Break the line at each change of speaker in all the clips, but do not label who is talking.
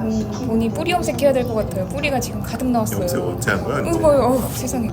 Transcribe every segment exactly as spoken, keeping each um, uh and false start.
음, 본이 뿌리 염색해야 될 것 같아요. 뿌리가 지금 가득 나왔어요.
염색 언제 한 거야?
이거 봐요. 어우, 세상에.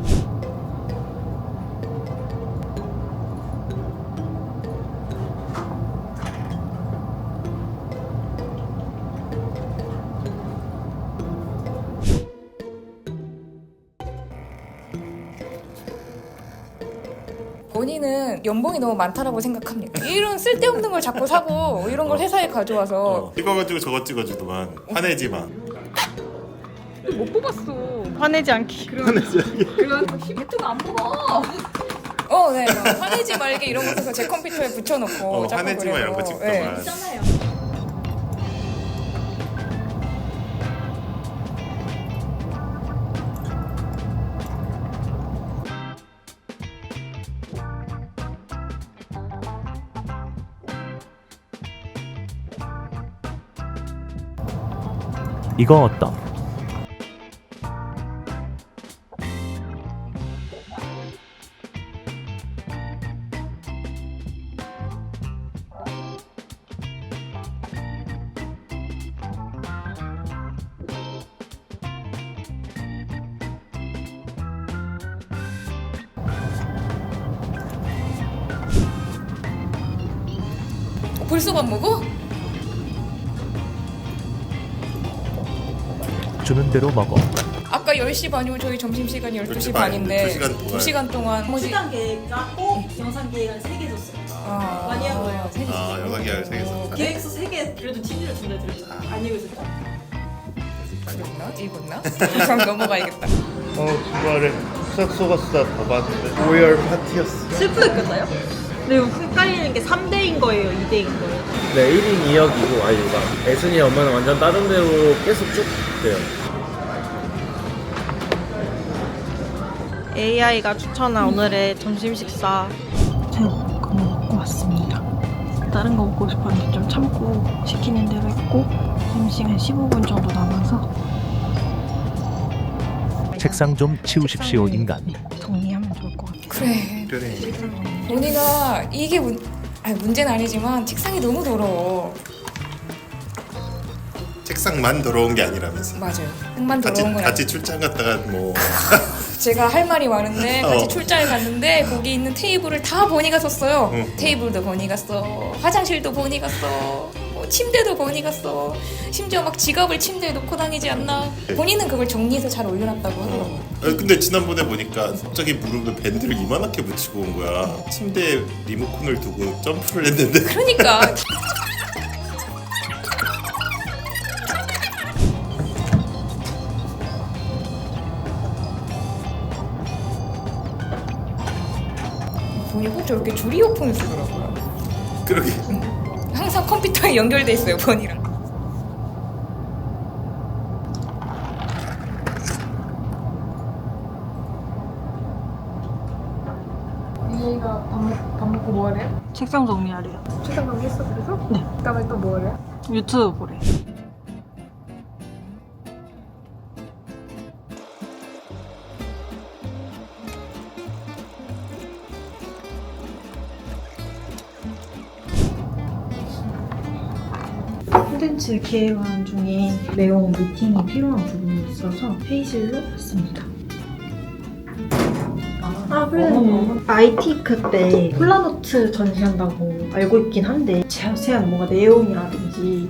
본인은 연봉이 너무 많다라고 생각합니까? 이런 쓸데없는 걸 자꾸 사고 이런 걸 회사에 가져와서
어, 찍어가지고 저거 찍어주더만 화내지 마.
못 뽑았어.
화내지 않기.
그런 유튜브 안 보고. 어, 네. 막 화내지 말게 이런 거 해서 제 컴퓨터에 붙여놓고
어,
자꾸
화내지 마
그래서.
이런 거 찍더만.
네.
이거 어떤?
어, 벌써 밥 먹어?
주는 대로 먹어.
아까 열 시 반이고 저희 점심시간이 열두 시 반인데
두 시간 동안.
두 시간 동안 뭐지?
시간 계획 짰고 영상 계획은 세 개 줬어요.
아,
많이 한 거예요.
세 개.
아, 영상 계획을 세 개 썼다.
계획서 세 개 그래도 친일을 준다 드렸잖아. 안 읽으셨죠?
읽었나? 읽었나? 그럼 넘어가야겠다.
어 주말에 싹 속았어 다 봤는데 오열 파티였어.
슬프게 끝나요? 근데 헷갈리는 게 삼 대인 거예요, 이 대인 거예요?
네, 일 인 이 역이고 아이유가 애순이 엄마는 완전 다른 데로 계속 쭉 돼요.
에이아이가 추천한 오늘의 점심 식사 새우볶음 먹고 왔습니다. 다른 거 먹고 싶었는데 좀 참고 시키는 대로 했고 점심시간 십오 분 정도 남아서
책상 좀 치우십시오 인간.
정리하면 좋을 것 같아요.
그래.
그래.
본이가 이게 문, 아니, 문제는 아니지만 책상이 너무 더러워.
책상만 더러운 게 아니라면서.
맞아요. 책만
같이
더러운 건
같이 출장 갔다가 뭐
제가 할 말이 많은데 같이
어.
출장을 갔는데 거기 있는 테이블을 다 버니가 썼어요.
응.
테이블도 버니가 써, 화장실도 버니가 써, 뭐 침대도 버니가 써. 심지어 막 지갑을 침대에 놓고 다니지 않나. 본인은 그걸 정리해서 잘 올려놨다고 하더라고요.
어. 아니, 근데 지난번에 보니까 갑자기 무릎에 밴드를 이만하게 붙이고 온 거야. 침대에 리모컨을 두고 점프를 했는데
그러니까 본이 꼭 저렇게 줄 이어폰을 쓰더라고요.
그러게.
항상 컴퓨터에 연결돼 있어요, 본이랑. 얘가 밥, 먹, 밥 먹고 뭐 하래요?
책상 정리하래요.
출장 가기 했어, 그래서?
네.
그다음에 또 뭐 하래요?
유튜브 보래. 콘텐츠 기획안 중에 내용 미팅이 필요한 부분이 있어서 회의실로 왔습니다. 아, 그래. 아이티크 때 폴라노트 전시한다고 알고 있긴 한데 자세한 뭔가 내용이라든지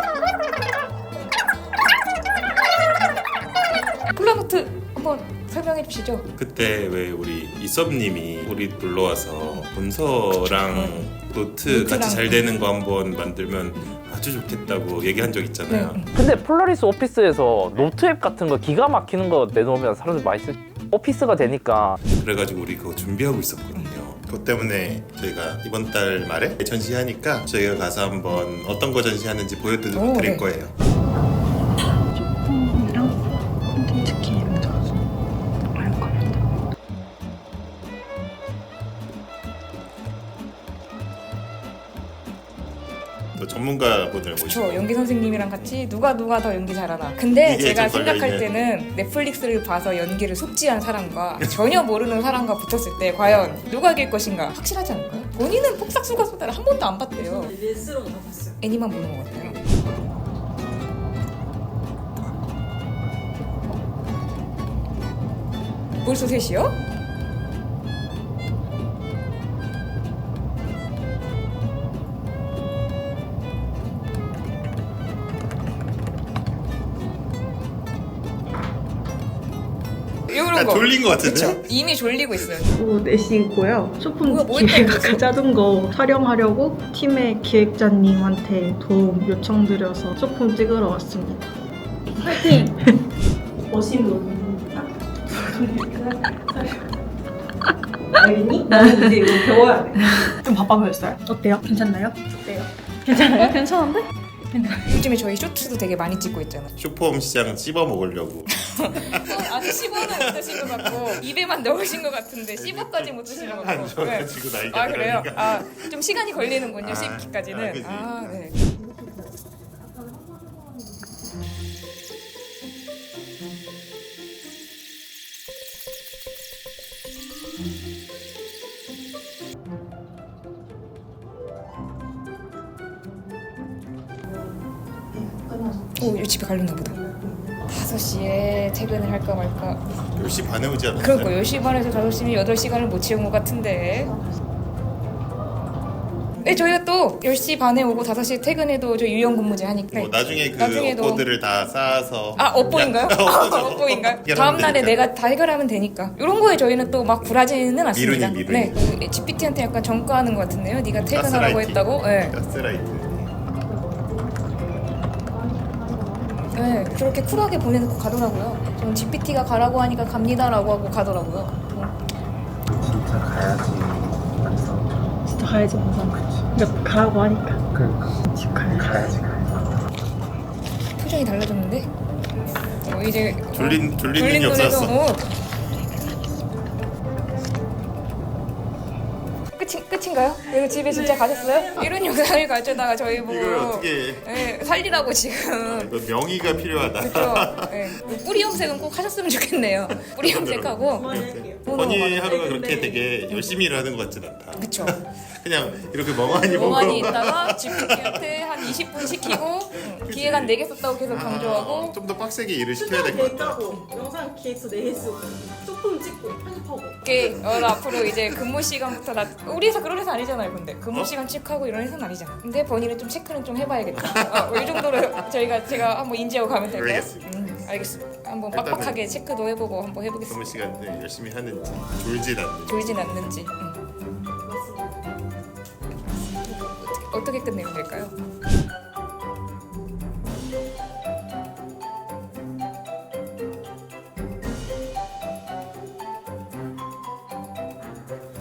폴라노트 한번 설명해 주시죠.
그때 왜 우리 이섭님이 우리 놀러 와서 문서랑 노트
노트랑
같이 잘 되는 거 한번 만들면 아주 좋겠다고 얘기한 적 있잖아요.
네.
근데 폴라리스 오피스에서 노트 앱 같은 거 기가 막히는 거 내놓으면 사람들 많이 쓸 오피스가 되니까
그래가지고 우리 그거 준비하고 있었거든요. 그것 때문에 저희가 이번 달 말에 전시하니까 저희가 가서 한번 어떤 거 전시하는지 보여드릴
오, 네.
거예요.
폼이랑 콘텐츠 기획을 적어서 할 겁니다.
또 전문가분을 모시고
저 연기 선생님이랑 같이 누가 누가 더 연기 잘하나. 근데
이게
제가
좀
생각할
걸려있네.
때는 넷플릭스를 봐서 연기를 숙지한 사람과 전혀 모르는 사람과 붙었을 때 과연 누가 이길 것인가 확실하지 않을까요? 본인은 폭삭수가수다를 한 번도 안 봤대요.
릴스로 다 봤어요.
애니만 보는 것 같아요. 벌써 셋이요? 이런
나
거.
졸린 거 같은데?
그쵸? 이미 졸리고 있어요.
오후 네 시고요. 소품
뭐야, 뭐
기획
했다는
아까
거지?
짜둔 거 촬영하려고 팀의 기획자님한테 도움 요청드려서 소품 찍으러 왔습니다. 파이팅!
머신롤입니다. 알겠니? 나는 이제 이거 배워야 돼.
좀 바빠 보였어요. 어때요? 괜찮나요? 어때요? 괜찮아요? 괜찮은데?
요즘에 저희 쇼츠도 되게 많이 찍고 있잖아요.
슈퍼홈 시장 씹어 먹으려고.
아직 씹어는 못 드신 것 같고 입에만 넣으신 것 같은데 씹어까지 못 드신 것 같고.
안 좋아가지고 나이가
아 그래요?
그러니까.
아 좀 시간이 걸리는군요.
아,
씹기까지는.
아, 그지.
아 네. 오, 이거 집에 가려나 보다. 다섯 시에 퇴근을 할까 말까.
열 시 반에 오지 않았어요?
그러니까 열 시 반에서 다섯 시면 여덟 시간을 못 채운 것 같은데. 네, 저희가 또 열 시 반에 오고 다섯 시에 퇴근해도 저 유연 근무제 하니까.
뭐 나중에 그
나중에도-
업보들을 다 쌓아서
아, 업보인가요? 업보인가요? 다음 날에 내가 다 해결하면 되니까. 이런 거에 저희는 또 막 굴하지는 않습니다.
미루니, 미루니.
네, 그 지피티한테 약간 전가하는 것 같은데요. 네가 퇴근하라고
가스라이팅.
했다고. 네.
가스라이트.
네, 저렇게 쿨하게 보내놓고 가더라고요. 저는 지피티가 가라고 하니까 갑니다라고 하고 가더라고요. 어.
진짜 가야지 완성.
진짜 가야지 항상. 그러니까 가라고 하니까.
그러니까
집 가야지.
가야지 가야지.
표정이 달라졌는데? 어, 이제
졸린 졸린
졸린
눈이
눈에서
없었어.
어. 끝이, 끝인가요? 이거 집에 진짜 가셨어요? 이런 영상을 가져다가 저희 보고
이걸 어떻게?
네, 살리라고 지금
이거 명의가 필요하다.
그렇죠. 네. 뿌리 염색은 꼭 하셨으면 좋겠네요. 뿌리 염색하고
그만할게요.
허니 하루가 그렇게
근데-
되게 열심히 일하는 것 같진 않다.
그쵸.
그냥 이렇게 멍하니 보고
멍하니 있다가 지피티한테 한 이십 분 시키고 응, 기획안 네 개 썼다고 계속 강조하고
좀 더 빡세게 일을 시켜야 될 것 같다.
짜고 영상 기획서 네 개 쓰고 소품 찍고 편집하고.
이렇게 어, 나 앞으로 이제 근무 시간부터 나 우리 회사 그런 회사 아니잖아요. 근데 근무
어?
시간 체크하고 이런 회사는 아니잖아. 근데 본인은 좀 체크는 좀 해봐야겠다. 어, 이 정도로 저희가 제가 한번 인지하고 가면 될까요?
알겠습니다.
음, 알겠습니다. 한번
일단은
빡빡하게 체크도 해보고 한번 해보겠습니다.
근무 시간을 열심히 하는지 졸진 않는지.
졸진 않는지. 음. 어떻게, 어떻게 끝내면 될까요?